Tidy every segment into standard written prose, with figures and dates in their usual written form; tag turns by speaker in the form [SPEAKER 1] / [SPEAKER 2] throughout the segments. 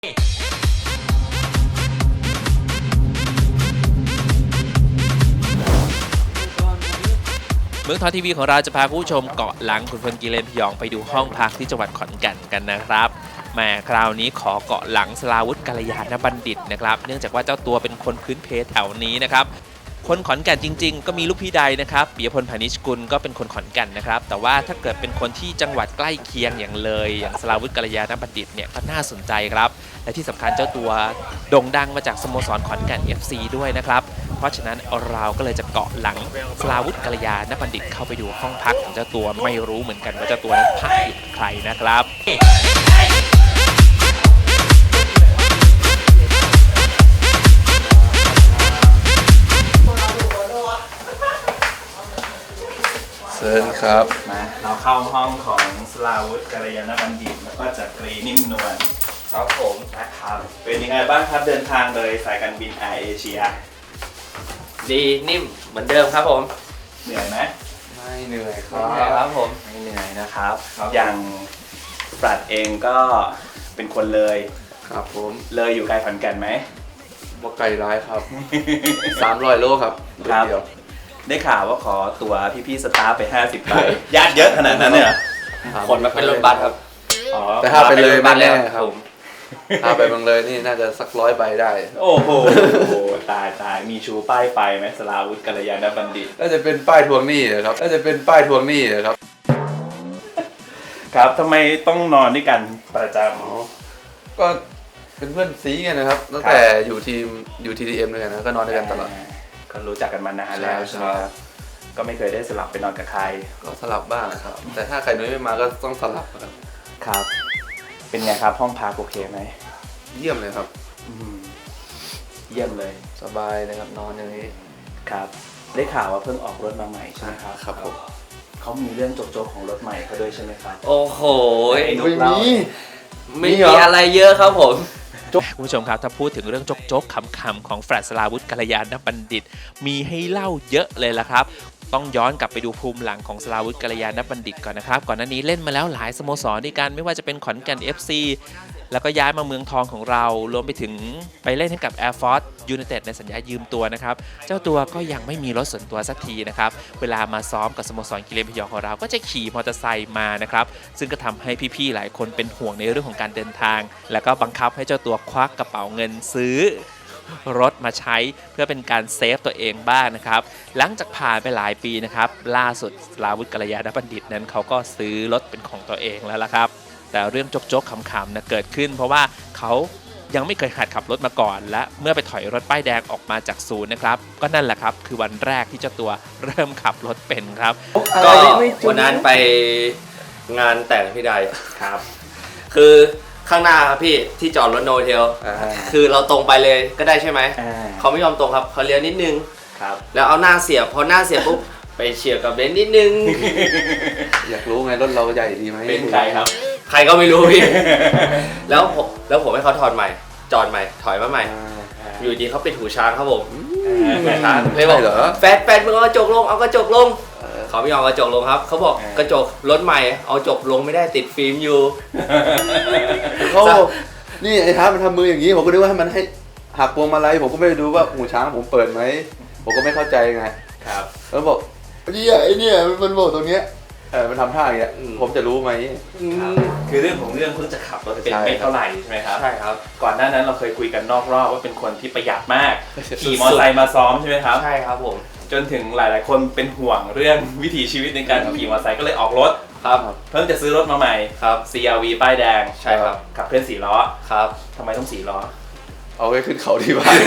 [SPEAKER 1] เมืองทองทีวีของเราจะพาผู้ชมเกาะหลังขุนพลกิเลนพยองไปดูห้องพักที่จังหวัดขอนแก่นกันนะครับแหมคราวนี้ขอเกาะหลังสราวุธกัลยาณบัณฑิตนะครับเนื่องจากว่าเจ้าตัวเป็นคนพื้นเพแถวนี้นะครับคนขอนแก่นจริงๆก็มีลูกพี่ใดนะครับปิยพลพานิชกุลก็เป็นคนขอนแก่นนะครับแต่ว่าถ้าเกิดเป็นคนที่จังหวัดใกล้เคียงอย่างเลยอย่างสราวุธกัลยาณบัณฑิตเนี่ยก็น่าสนใจครับและที่สำคัญเจ้าตัวโด่งดังมาจากสโมสรขอนแก่น FC ด้วยนะครับเพราะฉะนั้นเราก็เลยจะเกาะหลังสราวุธกัลยาณบัณฑิตเข้าไปดูห้องพักของเจ้าตัวไม่รู้เหมือนกันว่าเจ้าตัวนั้นพักอยู่กับใครนะครับ
[SPEAKER 2] เชิญครับ
[SPEAKER 1] มาเราเข้าห้องของสราวุธกัลยาณบัณฑิตแล้วก็จักรีนิ่มนวลครับผมนะครับเป็นยังไงบ้างครับเดินทางโดยสายการบินแอร์เอเชีย
[SPEAKER 3] ดีนิ่มเหมือนเดิมครับผม
[SPEAKER 1] เหนื่อยไหม
[SPEAKER 2] ไม่เหนื่อยค
[SPEAKER 3] ไม่เหนื่อยค
[SPEAKER 2] รั
[SPEAKER 3] รั
[SPEAKER 2] บบ
[SPEAKER 3] ผม
[SPEAKER 1] ไม่เหนื่อยนะครับอย่างปรัดเองก็เป็นคนเลย
[SPEAKER 2] ครับผม
[SPEAKER 1] เลยอยู่ไกลขอนแก่นไหม
[SPEAKER 2] บ่ไกลร้ายครับ 300 โลครับ
[SPEAKER 1] ครับได้ข่าวว่าขอตั๋วพี่ๆสตาฟไป50ใบญาติเยอะขนาดนั้นเนี่ย
[SPEAKER 3] คนมาเป็นรถบัสครับ
[SPEAKER 2] แต่ถ้าไปเลยมาแน่ครับถ้าไปเมืองเลยนี่น่าจะสัก100 ใบได้
[SPEAKER 1] โอ้โหตายมีชูป้ายไฟไหมสราวุธกัลยาณบัณฑิต
[SPEAKER 2] น่าจะเป็นป้ายทวงหนี้ครับน่าจะเป็นป้ายทวงหนี้ครับ
[SPEAKER 1] ครับทำไมต้องนอนด้วยกันประจ
[SPEAKER 2] ำก็เป็นเพื่อนซีกันนะครับตั้งแต่อยู่TTM ด้วยกันนะก็นอนด้วยกันตลอด
[SPEAKER 1] ก็รู้จักกันมานานแล้วใช่ไหมครับก็ไม่เคยได้สลับไปนอนกับใคร
[SPEAKER 2] ก็สลับบ้างครับแต่ถ้าใครนุ้ยไม่มาก็ต้องสลับครับ
[SPEAKER 1] ครับเป็นไงครับห้องพักโอเคไหม
[SPEAKER 2] เยี่ยมเลยครับ
[SPEAKER 1] เยี่ยมเลย
[SPEAKER 2] สบายเลยครับนอนอย่างนี้
[SPEAKER 1] ครับได้ข่าวว่าเพิ่งออกรถมาใหม่ใช่ไหมครับ
[SPEAKER 2] ครับผม
[SPEAKER 1] เขามีเรื่องโจ๊กๆของรถใหม่เขาด้วยใช่ไหมครับ
[SPEAKER 3] โอ้โห
[SPEAKER 2] ไม่
[SPEAKER 3] มีอะไรเยอะครับผม
[SPEAKER 1] คุณผู้ชมครับถ้าพูดถึงเรื่องโจ๊กๆคำๆของแฟรดสราวุธกัลยาณบัณฑิตมีให้เล่าเยอะเลยละครับต้องย้อนกลับไปดูภูมิหลังของสราวุธกัลยาณบัณฑิตก่อนนะครับก่อนหน้านี้เล่นมาแล้วหลายสโมสรด้วยกันไม่ว่าจะเป็นขอนแก่น FC แล้วก็ย้ายมาเมืองทองของเรารวมไปถึงไปเล่นให้กับ Air Force United ในสัญญายืมตัวนะครับเจ้าตัวก็ยังไม่มีรถส่วนตัวสักทีนะครับเวลามาซ้อมกับสโมสรกิเลนพยองของเราก็จะขี่มอเตอร์ไซค์มานะครับซึ่งก็ทำให้พี่ๆหลายคนเป็นห่วงในเรื่องของการเดินทางแล้วก็บังคับให้เจ้าตัวควักกระเป๋าเงินซื้อรถมาใช้เพื่อเป็นการเซฟตัวเองบ้างนะครับหลังจากผ่านไปหลายปีนะครับล่าสุดสราวุธกัลยาณบัณฑิตนั้นเขาก็ซื้อรถเป็นของตัวเองแล้วล่ะครับแต่เรื่องโจ๊กๆขำๆนะเกิดขึ้นเพราะว่าเขายังไม่เคยหัดขับรถมาก่อนและเมื่อไปถอยรถป้ายแดงออกมาจากศูนย์นะครับก็นั่นแหละครับคือวันแรกที่เจ้าตัวเริ่มขับรถเป็นครับ
[SPEAKER 3] ก็วันนั้นไปงานแต่งพี่ใด
[SPEAKER 1] ครับ
[SPEAKER 3] คือข้างหน้าครับพี่ที่จอดรถโนเทลคือเราตรงไปเลยก็ได้ใช่ไหมเขาไม่ยอมตรงครับเขาเลี้ยวนิดนึง
[SPEAKER 1] ครับ
[SPEAKER 3] แล้วเอาหน้าเสียบพอหน้าเสียบปุ๊บไปเฉียวกับเบนซ์นิดนึง
[SPEAKER 2] อยากรู้ไงรถเราใหญ่ดีไหม
[SPEAKER 1] เป็นใครครับ
[SPEAKER 3] ใครก็ไม่รู้พี่แล้วผมให้เขาถอดใหม่จอดใหม่ถอยมาใหม่อยู่ดีเขาปิดหูช้างครับผม
[SPEAKER 2] หูช้าง
[SPEAKER 3] เลยบอกแฟดมึงเอากระจกลงเอากระจกลงเขาไม่ยอมกระจกลงครับเขาบอกกระจกรถใหม่เอาจกลงไม่ได้ติดฟิล์มอยู่
[SPEAKER 2] เขานี่ไอ้ท้ามันทำมืออย่างนี้ผมก็นึกว่าให้มันให้หักพวงมาลัยผมก็ไม่ดูว่าหูช้างผมเปิดไหมผมก็ไม่เข้าใจไง
[SPEAKER 1] ครับ
[SPEAKER 2] แล้วบอกไอ้เนี่ยมันบอกตรงเนี้ยมันทำท่าอย่างเงี้ยผมจะรู้ไหม
[SPEAKER 1] คือเรื่องของเรื่องเพิ่งจะขับรถเป็นไม่เท่าไหร่ใช่ไหมครับ
[SPEAKER 3] ใช่ครับ
[SPEAKER 1] ก่อนหน้านั้นเราเคยคุยกันนอกรอบว่าเป็นคนที่ประหยัดมากขี่มอเตอร์ไซค์มาซ้อมใช่ไหมครับ
[SPEAKER 3] ใช่ครับผม
[SPEAKER 1] จนถึงหลายๆคนเป็นห่วงเรื่องวิถีชีวิตในการขี่มอเตอร์ไซค์ก็เลยออกรถ
[SPEAKER 3] ครับ
[SPEAKER 1] เพิ่งจะซื้อรถมาใหม่
[SPEAKER 3] ครับ
[SPEAKER 1] CR-V ป้ายแดง
[SPEAKER 3] ใช่ครับ
[SPEAKER 1] ขับเคลื่อน4 ล้อ
[SPEAKER 3] ครับ
[SPEAKER 1] ทำไมต้อง4 ล้อ
[SPEAKER 2] เอาไว้ขึ้นเขาที่บ้าน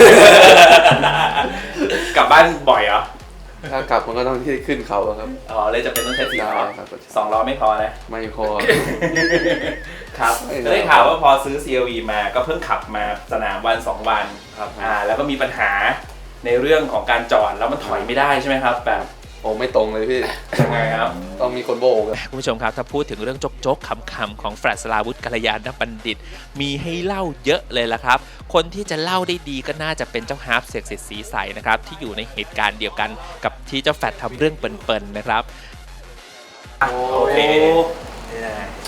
[SPEAKER 1] กลับบ้านบ่อยเหรอ
[SPEAKER 2] ถ้ากลับมันก็ต้องที่ขึ้นเขาครับ
[SPEAKER 1] เลยจะเป็นต้องใช้4 ล้อ2 ล้อไม่พอนะ
[SPEAKER 2] ไม่พอ
[SPEAKER 1] ครับได้ข่าวว่าพอซื้อ CR-V มาก็เพิ่งขับมาสนามวัน2 วัน
[SPEAKER 2] ครับ
[SPEAKER 1] แล้วก็มีปัญหาในเรื่องของการจอดแล้วมันถอยไม่ได้ใช่ไหมครับแบบ
[SPEAKER 2] โอ้ไม่ตรงเลยพี่
[SPEAKER 1] ยังไงครับ
[SPEAKER 2] ต้องมีคนโบก
[SPEAKER 1] คุณผู้ชมครับถ้าพูดถึงเรื่องโจ๊กๆขำๆของแฟรดสราวุธกัลยาณบัณฑิตมีให้เล่าเยอะเลยละครับคนที่จะเล่าได้ดีก็น่าจะเป็นเจ้าฮาร์ปเสกสิทธิ์ศรีใสนะครับที่อยู่ในเหตุการณ์เดียวกันกับที่เจ้าแฟรดทำเรื่องเปิ่นๆนะครับ
[SPEAKER 2] โอเค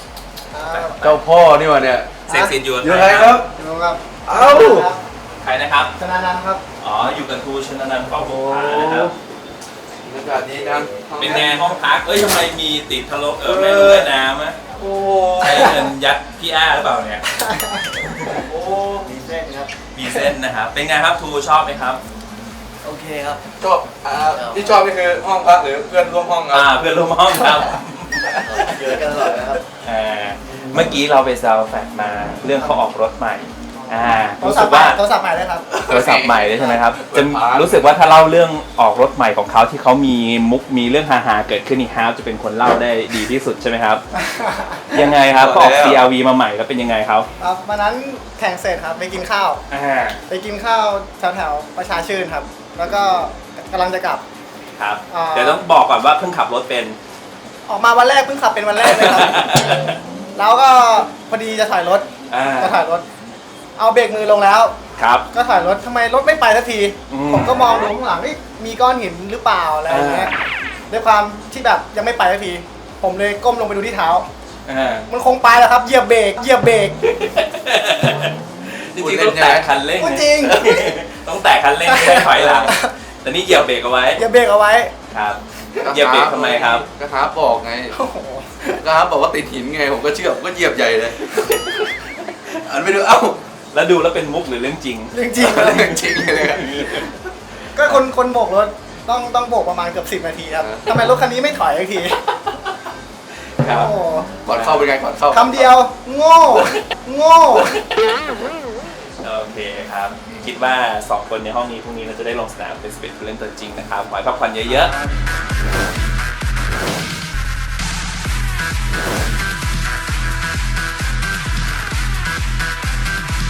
[SPEAKER 2] เจ้าพ่อนี่วะเนี่ย
[SPEAKER 1] เซ็กซินอยู่กับ
[SPEAKER 2] อยู่
[SPEAKER 1] ใค
[SPEAKER 2] ไห
[SPEAKER 1] ร
[SPEAKER 2] น
[SPEAKER 1] ค
[SPEAKER 2] ค
[SPEAKER 1] รั
[SPEAKER 2] รับ บ
[SPEAKER 4] ดูครับ
[SPEAKER 2] เอ้า
[SPEAKER 1] ใครนะครับ
[SPEAKER 4] ชนะนันท์ครับ
[SPEAKER 1] อ๋ออยู่กับทูชนนันท์เป้าบุภานะครับ
[SPEAKER 2] บรรยากาศดีจัง
[SPEAKER 1] เป็นไงห้องพักเอ้ยทำไมมีติดทะลุแม่ลูกแม่น้ำอะ
[SPEAKER 2] โอ้
[SPEAKER 1] ใช้เงินยัดพี่อ้าหรือเปล่าเนี่ย
[SPEAKER 2] โอ้
[SPEAKER 4] มีเส้นครับ
[SPEAKER 1] มีเส้นนะครับ เป็นไงครับทูชอบไหมครับ
[SPEAKER 3] โอเคครับ
[SPEAKER 2] ชอบที่ชอบนี่คือห้องพักหรือเพื่อนร่วมห้องครับ
[SPEAKER 1] เพื่อนร่วมห้องครับ
[SPEAKER 3] เยอะกันตลอดนะครับ
[SPEAKER 1] เมื่อกี้เราไปซาวแฟกมาเรื่องเขาออกรถใหม่
[SPEAKER 4] โทร
[SPEAKER 1] รู้
[SPEAKER 4] ศั
[SPEAKER 1] สึ
[SPEAKER 4] พ
[SPEAKER 1] ก
[SPEAKER 4] ท์ใหม่
[SPEAKER 1] ว่า
[SPEAKER 4] โทรศัพท์ใหม่เลยครับ
[SPEAKER 1] โทรศัพท์ใหม่เลยใช่ไหมครับจะรู้สึกว่าถ้าเล่าเรื่องออกรถใหม่ของเขาที่เขามีมุกมีเรื่องฮาๆเกิดขึ้นนี่ฮาร์ฟจะเป็นคนเล่าได้ดีที่สุดใช่ไหมครับ ยังไงครับเขาออก CRV มาใหม่แล้วเป็นยังไงครับ
[SPEAKER 4] ครับวันนั้นแข่งเสร็จครับไปกินข้าว ไปกินข้าวแถวๆประชาชื่นครับ แล้วก็กำลังจะกลับ
[SPEAKER 1] ครับ
[SPEAKER 4] อ่า
[SPEAKER 1] เดี๋ยวต้องบอกก่อนว่าเพิ่งขับรถเป็น
[SPEAKER 4] ออกมาวันแรกเพิ่งขับเป็นวันแรกเลยครับ แล้วก็พอดีจะถอยรถ จะถอยรถ เอาเบรกมือลงแล้ว
[SPEAKER 1] ครับ
[SPEAKER 4] ก็ถอยรถทำไมรถไม่ไปสักที
[SPEAKER 1] อืม
[SPEAKER 4] ผมก็มองดูข้างหลังเอ๊ะมีก้อนหินหรือเปล่าอะไรอย่างเงี้ยด้วยความที่แบบยังไม่ไปสักที ผมเลยก้มลงไปดูที่เท้า มันคงไปแล้วครับเหยียบเบรกเหยียบเบรก
[SPEAKER 1] จริงๆต้องแตะคันเร่ง
[SPEAKER 4] พูดจริง
[SPEAKER 1] ต้องแตะคันเร่งไม่ได้ถอยหลังแต่นี่เหยียบเบรกเอาไว้
[SPEAKER 4] เหยียบเบรกเอาไว้
[SPEAKER 1] ครับเหยียบเบรกทำไมครับ
[SPEAKER 2] ก็ฮาร์ปบอกไง
[SPEAKER 4] โอ้โห
[SPEAKER 2] ก็ฮาร์ปบอกว่าติดหินไงผมก็เชื่อผมก็เหยียบใหญ่เลยอันไปดูเอ้า
[SPEAKER 1] แล้วดูแล้วเป็นมุกหรือเรื่องจริง
[SPEAKER 4] เรื่องจริงครับ
[SPEAKER 2] เรื่องจริงเลยอะ
[SPEAKER 4] ก็คนโบกรถต้องโบกประมาณเกือบ10 นาทีครับทำไมรถคันนี้ไม่ถอยสักที
[SPEAKER 1] ครับ
[SPEAKER 4] โอ้โห
[SPEAKER 2] ก่อนเข้าเป็นไงก่อนเข้า
[SPEAKER 4] คำเดียว โง่ โง่
[SPEAKER 1] โอเคครับ คิดว่า 2 คนในห้องนี้พรุ่งนี้เราจะได้ลงสนามเป็น11ผู้เล่นตัวจริงนะครับขอให้พักผ่อนเยอะๆ